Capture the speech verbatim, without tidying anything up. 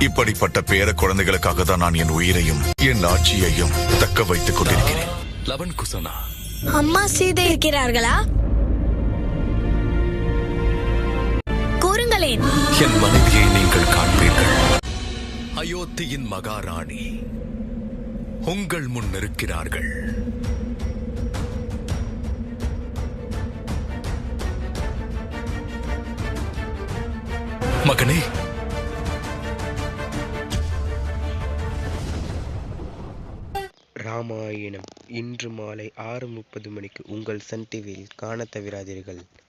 இப்படிப்பட்ட பேர குழந்தைகளுக்காக தான் நான் என் உயிரையும் என் ஆட்சியையும் தக்க வைத்துக் கொண்டிருக்கிறேன். லவன் குசனா, அம்மா சீதை இருக்கிறார்களா? கூறுங்களேன். என் மனைவியை நீங்கள் காண்பீர்கள். அயோத்தியின் மகாராணி உங்கள் முன் இருக்கிறார்கள். மகனே, ராமாயணம் இன்று மாலை ஆறு முப்பது மணிக்கு உங்கள் சன் டிவியில் காண தவறாதீர்கள்.